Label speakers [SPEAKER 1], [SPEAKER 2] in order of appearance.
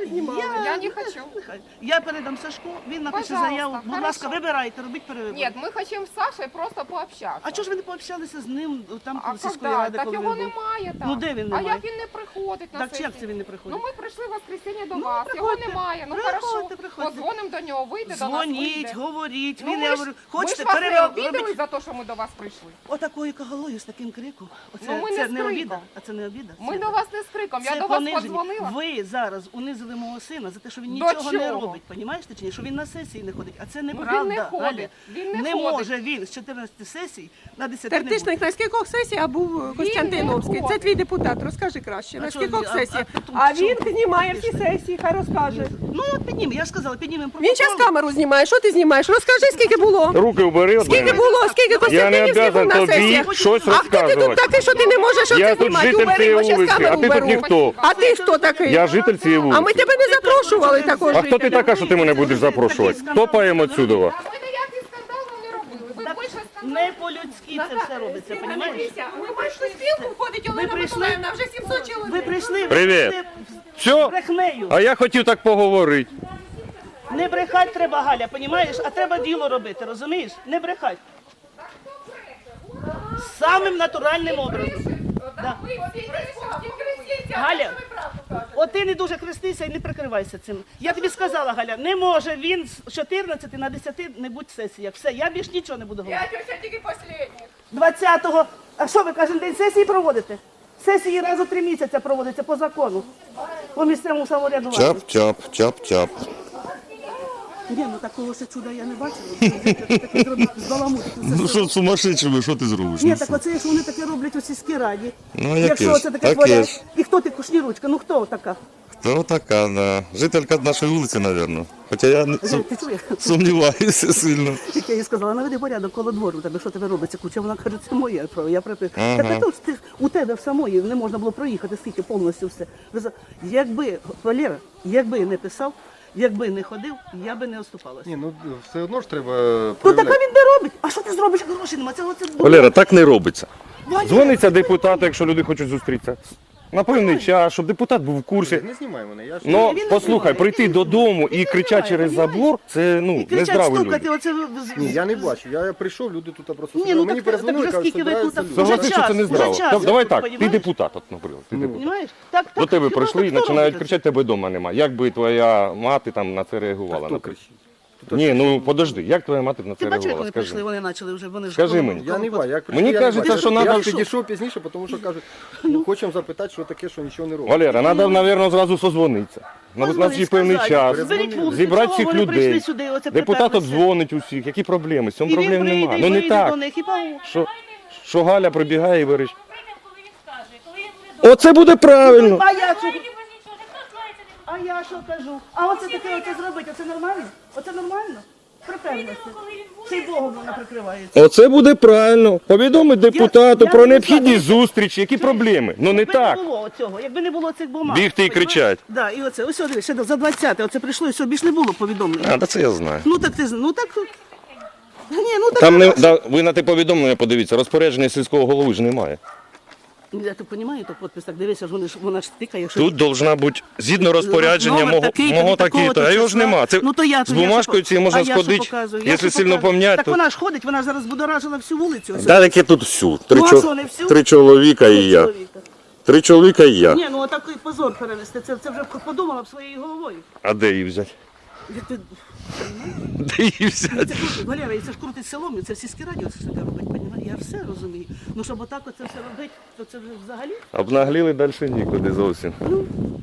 [SPEAKER 1] ви знімали.
[SPEAKER 2] Я не хочу.
[SPEAKER 3] Я передам Сашку, він напише
[SPEAKER 2] Пожалуйста,
[SPEAKER 3] заяву. Будь ласка,
[SPEAKER 2] хорошо.
[SPEAKER 3] вибирайте, робіть перевибори.
[SPEAKER 2] Нет, мы хотим с Сашей просто пообщаться.
[SPEAKER 3] А чого ж ви не пообщалися з ним там
[SPEAKER 2] А
[SPEAKER 3] коли сільської
[SPEAKER 2] когда?
[SPEAKER 3] ради,
[SPEAKER 2] Так
[SPEAKER 3] коли
[SPEAKER 2] його
[SPEAKER 3] він був?
[SPEAKER 2] немає там.
[SPEAKER 3] Ну, де він
[SPEAKER 2] А
[SPEAKER 3] немає?
[SPEAKER 2] як він не приходить на
[SPEAKER 3] Так
[SPEAKER 2] сесію?
[SPEAKER 3] як це він не приходить?
[SPEAKER 2] Ну ми прийшли в воскресенье до
[SPEAKER 3] Ну,
[SPEAKER 2] вас,
[SPEAKER 3] приходьте,
[SPEAKER 2] його немає. Ну
[SPEAKER 3] приходьте,
[SPEAKER 2] хорошо,
[SPEAKER 3] приходьте.
[SPEAKER 2] подзвонимо до нього, вийде до нас,
[SPEAKER 3] Дзвоніть,
[SPEAKER 2] вийде.
[SPEAKER 3] говоріть,
[SPEAKER 2] Ну,
[SPEAKER 3] він
[SPEAKER 2] ми
[SPEAKER 3] я
[SPEAKER 2] ж,
[SPEAKER 3] говорю,
[SPEAKER 2] ми ж
[SPEAKER 3] хочете
[SPEAKER 2] вас не
[SPEAKER 3] перевибори,
[SPEAKER 2] обідали
[SPEAKER 3] робіть.
[SPEAKER 2] за те, що ми до вас прийшли.
[SPEAKER 3] Отакою кагалою з таким криком. Оце,
[SPEAKER 2] Ну, ми не
[SPEAKER 3] це
[SPEAKER 2] з
[SPEAKER 3] не
[SPEAKER 2] криком.
[SPEAKER 3] обіда, а це не обіда.
[SPEAKER 2] Ми
[SPEAKER 3] Це-
[SPEAKER 2] до вас не з криком, я
[SPEAKER 3] це
[SPEAKER 2] до вас
[SPEAKER 3] пониження.
[SPEAKER 2] подзвонила.
[SPEAKER 3] Ви зараз унизили мого сина за те, що він
[SPEAKER 2] До
[SPEAKER 3] нічого не
[SPEAKER 2] чого?
[SPEAKER 3] робить, понімаєте чи ні? Що він на сесії не ходить, а це
[SPEAKER 2] Ну,
[SPEAKER 3] неправда.
[SPEAKER 2] він не
[SPEAKER 3] Галя.
[SPEAKER 2] ходить, він не ходить.
[SPEAKER 3] може він з 14 сесій на 10 не буде.
[SPEAKER 1] Тертишник на скількох сесіях був Костянтиновський?
[SPEAKER 2] не
[SPEAKER 1] Це твій депутат, розкажи краще.
[SPEAKER 3] А
[SPEAKER 1] На
[SPEAKER 3] що
[SPEAKER 1] скількох
[SPEAKER 3] він? А
[SPEAKER 1] сесіях?
[SPEAKER 3] потім
[SPEAKER 1] А
[SPEAKER 3] що?
[SPEAKER 1] він знімає всі сесії, хай розкаже.
[SPEAKER 3] Ну от піднімемо, я ж сказала, піднімемо
[SPEAKER 1] Він зараз
[SPEAKER 3] протокол.
[SPEAKER 1] камеру знімає, що ти знімаєш? Розкажи, скільки було.
[SPEAKER 4] Руки убери від
[SPEAKER 1] Скільки
[SPEAKER 4] мене.
[SPEAKER 1] було, скільки
[SPEAKER 4] Я не
[SPEAKER 1] Костянтинівських був
[SPEAKER 4] обязан
[SPEAKER 1] на
[SPEAKER 4] тобі
[SPEAKER 1] сесіях?
[SPEAKER 4] щось
[SPEAKER 1] А хто ти тут
[SPEAKER 4] розказувати.
[SPEAKER 1] такий, що ти не можеш
[SPEAKER 4] Я
[SPEAKER 1] оце
[SPEAKER 4] тут
[SPEAKER 1] знімати?
[SPEAKER 4] житель
[SPEAKER 1] Убери,
[SPEAKER 4] цієї
[SPEAKER 1] бо щас
[SPEAKER 4] вулиці, а
[SPEAKER 1] камеру
[SPEAKER 4] ти тут
[SPEAKER 1] уберу.
[SPEAKER 4] ніхто.
[SPEAKER 1] А ти хто такий?
[SPEAKER 4] Я житель цієї
[SPEAKER 1] А ми
[SPEAKER 4] вулиці.
[SPEAKER 1] тебе не запрошували також.
[SPEAKER 4] А хто ти така, що ти мене будеш запрошувати? Топаємо отсюда.
[SPEAKER 2] А ми ніякий скандал вам не робили. Ви більше скандалу.
[SPEAKER 3] Не по-людськи це все робиться, понімаєш?
[SPEAKER 1] Ми бачили спілку, входить Олена
[SPEAKER 3] прийшли?
[SPEAKER 1] Миколаївна, вже 700 чоловік.
[SPEAKER 3] Ви прийшли,
[SPEAKER 4] Привіт.
[SPEAKER 3] прийшли
[SPEAKER 4] Все?
[SPEAKER 3] брехнею.
[SPEAKER 4] А я хотів так поговорити.
[SPEAKER 3] Не брехать треба, Галя, понімаєш? А треба діло робити, розумієш? Не брехать. Самим натуральним образом. Да. Галя, от ти не дуже хрестися і не прикривайся цим. Я тобі сказала, Галя, не може він з 14 на 10 не будь сесіях. Все, я більш нічого не буду говорити.
[SPEAKER 1] тетя тільки останніх.
[SPEAKER 3] 20-го, а що ви кожен день сесії проводите? Сесії раз у 3 місяці проводяться по закону. По місцевому самоврядуванню.
[SPEAKER 5] Чап-чап, чап-чап.
[SPEAKER 3] Ні, ну такого ще чуда я не бачила. Таке зробити, збаламутити.
[SPEAKER 5] Ну що сумасшедшими, що ти зробиш?
[SPEAKER 3] Ні,
[SPEAKER 5] Ну,
[SPEAKER 3] так оце ж вони таке роблять у сільській раді.
[SPEAKER 5] Ну,
[SPEAKER 3] Якщо
[SPEAKER 5] яке ж,
[SPEAKER 3] оце таке
[SPEAKER 5] таке
[SPEAKER 3] творять.
[SPEAKER 5] ж.
[SPEAKER 3] І хто ти, Кушніручка? Ну хто така?
[SPEAKER 5] Хто така, да. Жителька нашої вулиці, мабуть. Хоча я
[SPEAKER 3] Ти чуєш?
[SPEAKER 5] сумніваюся сильно.
[SPEAKER 3] Як я їй сказала, наведи порядок коло двору, тебе що тебе робиться? Куча, вона каже, це моє право, я припив.
[SPEAKER 5] Ага.
[SPEAKER 3] Так а то ж ти у тебе в самої не можна було проїхати, скільки повністю все. Якби, Валера, якби не писав, якби не ходив, я би не оступалася.
[SPEAKER 6] Ні, ну все одно ж треба
[SPEAKER 3] Ну так а
[SPEAKER 6] проявляти.
[SPEAKER 3] він не робить. А що ти зробиш, як грошей нема? Це оце
[SPEAKER 4] Валера, так не робиться.
[SPEAKER 3] Валера,
[SPEAKER 4] Дзвониться депутату, якщо люди хочуть зустрітися. На певний час, щоб депутат був в курсі.
[SPEAKER 6] Не знімай мене, я ж
[SPEAKER 4] Ну,
[SPEAKER 3] Він не
[SPEAKER 4] послухай,
[SPEAKER 3] знімає,
[SPEAKER 4] прийти
[SPEAKER 3] він не
[SPEAKER 4] додому
[SPEAKER 3] знімає,
[SPEAKER 4] і кричати через
[SPEAKER 3] понімаєш?
[SPEAKER 4] забор, це
[SPEAKER 3] І
[SPEAKER 4] ну,
[SPEAKER 3] кричать,
[SPEAKER 4] нездраві
[SPEAKER 3] стукати,
[SPEAKER 4] люди.
[SPEAKER 3] оце...
[SPEAKER 6] ні, я не бачу. Я прийшов, люди тут просто
[SPEAKER 3] Ні,
[SPEAKER 6] сиділи.
[SPEAKER 3] ну
[SPEAKER 6] мені
[SPEAKER 3] так
[SPEAKER 6] перезвонили,
[SPEAKER 3] вже
[SPEAKER 6] кажуть,
[SPEAKER 3] скільки ви
[SPEAKER 6] збираються
[SPEAKER 3] тут
[SPEAKER 6] люди.
[SPEAKER 3] Вже
[SPEAKER 4] Согласись, що
[SPEAKER 3] час,
[SPEAKER 4] це нездраво.
[SPEAKER 3] вже час,
[SPEAKER 4] Давай
[SPEAKER 3] ти
[SPEAKER 4] так, ти
[SPEAKER 3] понімаєш?
[SPEAKER 4] депутат, от, наприклад. Ти депутат.
[SPEAKER 3] Понимаєш? Так,
[SPEAKER 4] До тебе
[SPEAKER 3] хіба
[SPEAKER 4] прийшли і
[SPEAKER 3] хто
[SPEAKER 4] починають
[SPEAKER 3] робить
[SPEAKER 4] кричати, тебе вдома немає. Як би твоя мати там на це реагувала?
[SPEAKER 6] Хто
[SPEAKER 4] наприклад?
[SPEAKER 6] кричить? Тут
[SPEAKER 4] Ні, ну подожди, як твоя мати на
[SPEAKER 3] Ти
[SPEAKER 4] це
[SPEAKER 3] бачиш, як
[SPEAKER 4] реагувала?
[SPEAKER 3] вони прийшли,
[SPEAKER 4] Скажи.
[SPEAKER 3] вони почали вже, вони ж...
[SPEAKER 4] Скажи мені.
[SPEAKER 6] Я не бачу. Як
[SPEAKER 4] Мені
[SPEAKER 6] прийшли, я не
[SPEAKER 4] кажеться,
[SPEAKER 6] бачу.
[SPEAKER 4] що
[SPEAKER 6] я
[SPEAKER 4] надо,
[SPEAKER 6] підійшов пізніше, тому що кажуть, ну, хочемо запитати, що таке, що нічого не робить.
[SPEAKER 4] Валера, треба, мабуть, зразу созвонитися. У нас є певний час,
[SPEAKER 3] Зберіть вулицю,
[SPEAKER 4] зібрати
[SPEAKER 3] чого
[SPEAKER 4] всіх
[SPEAKER 3] вони прийшли
[SPEAKER 4] людей.
[SPEAKER 3] сюди, оце
[SPEAKER 4] Депутат
[SPEAKER 3] приперлися?
[SPEAKER 4] обдзвонить усіх. Які проблеми? З цим
[SPEAKER 3] І він
[SPEAKER 4] проблем
[SPEAKER 3] прийде,
[SPEAKER 4] немає.
[SPEAKER 3] і
[SPEAKER 4] Ну не
[SPEAKER 3] вийде до
[SPEAKER 4] так,
[SPEAKER 3] них, і пау.
[SPEAKER 4] що Галя прибігає і вирішить.
[SPEAKER 7] Прийде, коли він скаже, коли він буде
[SPEAKER 4] Оце буде правильно.
[SPEAKER 3] А я що?
[SPEAKER 7] без нічого, ніхто слається не
[SPEAKER 3] А я що кажу? А оце таке оце зробити, оце нормально? Оце нормально? Припевнеться.
[SPEAKER 7] коли він буде.
[SPEAKER 3] Цей Богом вона прикривається.
[SPEAKER 4] Оце буде правильно. Повідомить депутату
[SPEAKER 3] я
[SPEAKER 4] про
[SPEAKER 3] не
[SPEAKER 4] необхідність
[SPEAKER 3] знаю.
[SPEAKER 4] зустрічі, які проблеми. Ну не
[SPEAKER 3] Якби
[SPEAKER 4] так.
[SPEAKER 3] не було цього, якби не було цих бумаг.
[SPEAKER 4] Бігти і
[SPEAKER 3] понімаєш?
[SPEAKER 4] кричать.
[SPEAKER 3] Да, і оце, ось дивись, ще за 20, оце прийшло, і все, більш не було повідомлення.
[SPEAKER 4] А, та це я знаю.
[SPEAKER 3] Ну так ти, ну так... Ні, ну так...
[SPEAKER 4] Там не ви на те повідомлення подивіться, розпорядження сільського голови ж немає.
[SPEAKER 3] Я так розумію, то підпис, так дивися, вона ж тикає. Що...
[SPEAKER 4] Тут должна бути згідно розпорядження
[SPEAKER 3] Номер
[SPEAKER 4] мого
[SPEAKER 3] такий-то,
[SPEAKER 4] такий-то,
[SPEAKER 3] такого-то
[SPEAKER 4] а його ж
[SPEAKER 3] числа.
[SPEAKER 4] нема. Це
[SPEAKER 3] Ну, то я,
[SPEAKER 4] з бумажкою цією можна сходити, якщо сильно пом'ять,
[SPEAKER 3] Так
[SPEAKER 4] то...
[SPEAKER 3] вона ж ходить, вона ж зараз будоражила всю вулицю. ось.
[SPEAKER 4] Да, таке тут всю.
[SPEAKER 3] Ну, а що, не всю?
[SPEAKER 4] 3 чоловіка і я.
[SPEAKER 3] Чоловіка.
[SPEAKER 4] 3 чоловіка і я.
[SPEAKER 3] Ні, ну отакий позор перевести, це вже подумала б своєю головою.
[SPEAKER 4] А де її взяти?
[SPEAKER 3] Як ти...
[SPEAKER 4] Де її взяти?
[SPEAKER 3] Це крутить, Валера, і це ж крутить селом, і це в сільській раді це таке робить, понімаєш? Я все розумію. Ну, щоб отак оце все робити, то це вже взагалі...
[SPEAKER 4] Обнагліли далі нікуди зовсім.